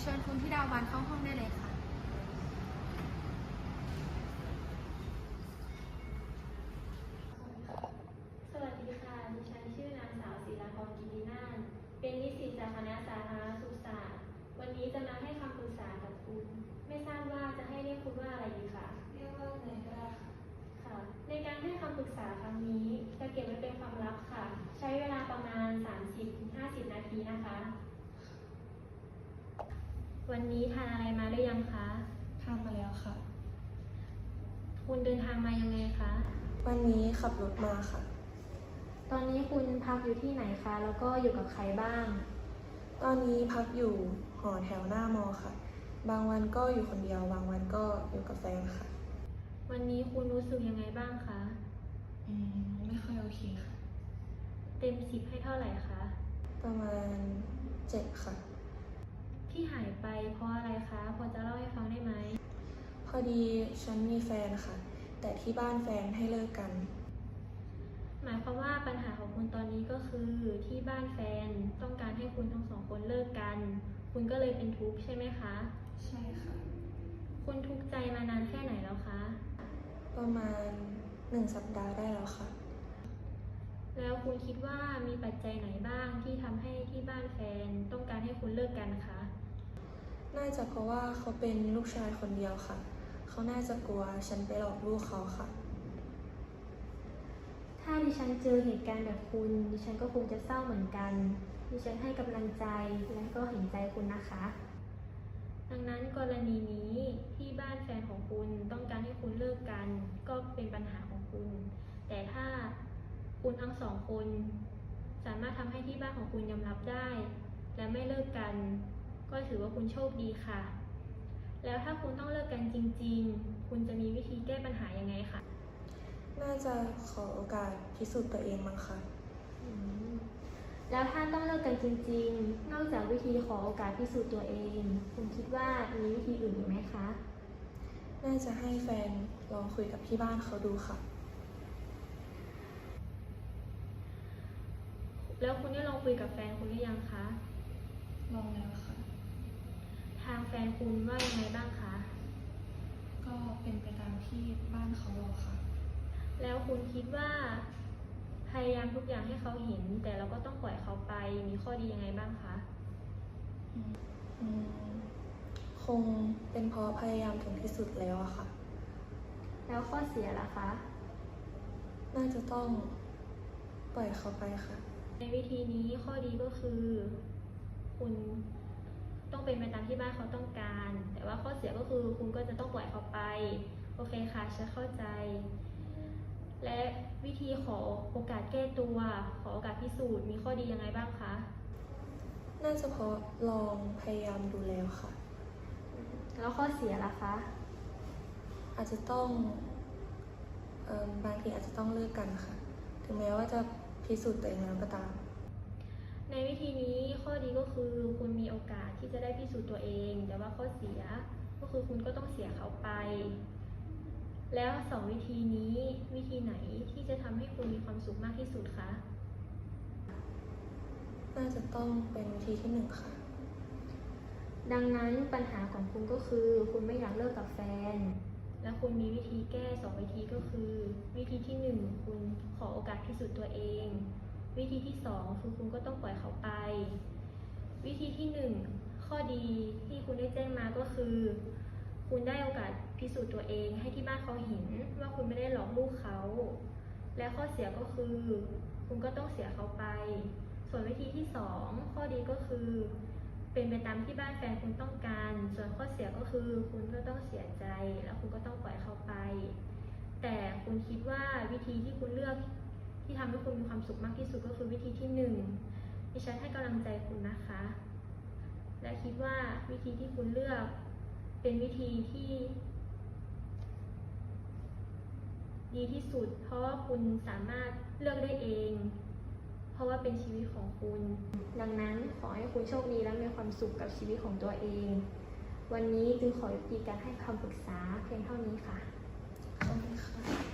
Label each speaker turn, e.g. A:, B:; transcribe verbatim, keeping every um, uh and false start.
A: เชิญคุณธิดาวันเข้าห้องได้เลยค่ะ
B: สวัสดีค่ะ ดิฉันชื่อนางสาวศิลาพรกิตินานท์เป็นนิสิตจากคณะสาธารณสุขศาสตร์ วันนี้จะมาให้คำปรึกษากับคุณ ไม่ทราบว่าจะให้เรียกคุณว่าอะไรดีคะ
A: เรียกว่าเนยก็ได้ค่ะ
B: ค่ะ ในการให้คำปรึกษาครั้งนี้จะเก็บไว้เป็นความลับค่ะ ใช้เวลาประมาณ สามสิบถึงห้าสิบ นาทีนะคะ วันนี้ทานอะไรมาหรือยังคะ
A: ทานมาแล้วค่ะ
B: คุณเดินทางมายังไงคะ
A: วันนี้ขับรถมาค่ะ
B: ตอนนี้คุณพักอยู่ที่ไหนคะ แล้วก็อยู่กับใครบ้าง
A: ตอนนี้พักอยู่หอแถวหน้ามอค่ะ บางวันก็อยู่คนเดียว บางวันก็อยู่กับแฟนค่ะ
B: วันนี้คุณรู้สึกยังไงบ้างคะ
A: อืม ไม่ค่อยโอเคค่ะ
B: เต็มสิบให้เท่าไหร่คะ
A: ประมาณเจ็ดค่ะ
B: ที่หายไปเพราะอะไรคะ พอจะเล่าให้ฟังได้ไหม
A: พอดีฉันมีแฟนค่ะ แต่ที่บ้านแฟนให้เลิกกัน
B: หมายความว่าปัญหาของคุณตอนนี้ก็คือที่บ้านแฟนต้องการให้คุณทั้งสองคนเลิกกัน คุณก็เลยเป็นทุกข์ใช่ไหมคะ
A: ใช่ค่ะ
B: คุณทุกข์ใจมานานแค่ไหนแล้วคะ
A: ประมาณหนึ่งสัปดาห์ได้แล้วค่ะ
B: แล้วคุณคิดว่ามีปัจจัยไหนบ้างที่ทำให้ที่บ้านแฟนต้องการให้คุณเลิกกันคะ
A: น่าจะเพราะว่าเขาเป็นลูกชายคนเดียวค่ะ เขาน่าจะกลัวฉันไปหลอกลูกเขาค่ะ
B: ถ้าดิฉันเจอเหตุการณ์แบบคุณ ดิฉันก็คงจะเศร้าเหมือนกัน ดิฉันให้กำลังใจและก็เห็นใจคุณนะคะ ดังนั้นกรณีนี้ที่บ้านแฟนของคุณต้องการให้คุณเลิกกัน ก็เป็นปัญหาของคุณ แต่ถ้าคุณทั้งสองคนสามารถทำให้ที่บ้านของคุณยอมรับได้ และไม่เลิกกัน ก็ถือว่าคุณโชคดีค่ะ แล้วถ้าคุณต้องเลิกกันจริงๆ คุณจะมีวิธีแก้ปัญหายังไงคะ
A: น่าจะขอโอกาสพิสูจน์ตัวเองมั้งค่ะ
B: แล้วถ้าต้องเลิกกันจริงๆ นอกจากวิธีขอโอกาสพิสูจน์ตัวเอง คุณคิดว่ามีวิธีอื่นอีกไหมคะ
A: น่าจะให้แฟนลองคุยกับที่บ้านเขาดูค่ะ
B: แล้วคุณได้ลองคุยกับแฟนคุณหรือยังคะ
A: ลองแล้วค่ะ
B: ทางแฟนคุณว่ายังไงบ้างคะ
A: ก็เป็นไปตามที่บ้านเขาบอกค่ะ
B: แล้วคุณคิดว่าพยายามทุกอย่างให้เขาเห็น แต่เราก็ต้องปล่อยเขาไป มีข้อดียังไงบ้างคะ
A: อืม คงเป็นเพราะพยายามถึงที่สุดแล้วอะค่ะ
B: แล้วข้อเสียล่ะคะ
A: น่าจะต้องปล่อยเขาไปค่ะ
B: ในวิธีนี้ข้อดีก็คือ คุณต้องเป็นไปตามที่บ้านเขาต้องการ แต่ว่าข้อเสียก็คือคุณก็จะต้องปล่อยเขาไป โอเคค่ะฉันเข้าใจ และวิธีขอโอกาสแก้ตัว ขอโอกาสพิสูจน์มีข้อดียังไงบ้างคะ
A: น่าจะเพราะลองพยายามดูแล้วค่ะ
B: แล้วข้อเสียล่ะคะ
A: อาจจะต้องเอ่อบางทีอาจจะต้องเลิกกันค่ะ ถึงแม้ว่าจะพิสูจน์ตัวเองแล้วก็ตาม
B: ในวิธีนี้ข้อดีก็คือคุณมีโอกาสที่จะได้พิสูจน์ตัวเอง แต่ว่าข้อเสียก็คือคุณก็ต้องเสียเขาไป แล้วสองวิธีนี้วิธีไหนที่จะทำให้คุณมีความสุขมากที่สุดคะ
A: น่าจะต้องเป็นวิธีที่หนึ่งค่ะ
B: ดังนั้นปัญหาของคุณก็คือคุณไม่อยากเลิกกับแฟน และคุณมีวิธีแก้สองวิธีก็คือ วิธีที่หนึ่งคุณขอโอกาสพิสูจน์ตัวเอง วิธีที่สองคือคุณก็ต้องปล่อยเขาไป วิธีที่หนึ่งข้อดีที่คุณได้แจ้งมาก็คือ คุณได้โอกาสพิสูจน์ตัวเองให้ที่บ้านเขาเห็นว่าคุณไม่ได้หลอกลูกเขา และข้อเสียก็คือ คุณก็ต้องเสียเขาไป ส่วนวิธีที่สองข้อดีก็คือ เป็นไปตามที่บ้านแฟนคุณต้องการ ส่วนข้อเสียก็คือคุณก็ต้องเสียใจ แล้วคุณก็ต้องปล่อยเขาไป แต่คุณคิดว่าวิธีที่คุณเลือกที่ทำให้คุณมีความสุขมากที่สุดก็คือวิธีที่หนึ่งดิฉันให้กำลังใจคุณนะคะ และคิดว่าวิธีที่คุณเลือกเป็นวิธีที่ดีที่สุด เพราะว่าคุณสามารถเลือกได้เอง เพราะว่าเป็นชีวิตของคุณ ดังนั้นขอให้คุณโชคดีและมีความสุขกับชีวิตของตัวเอง วันนี้จึงขอยุติการให้คำปรึกษาเพียงเท่านี้ค่ะ
A: ขอบคุณค่ะ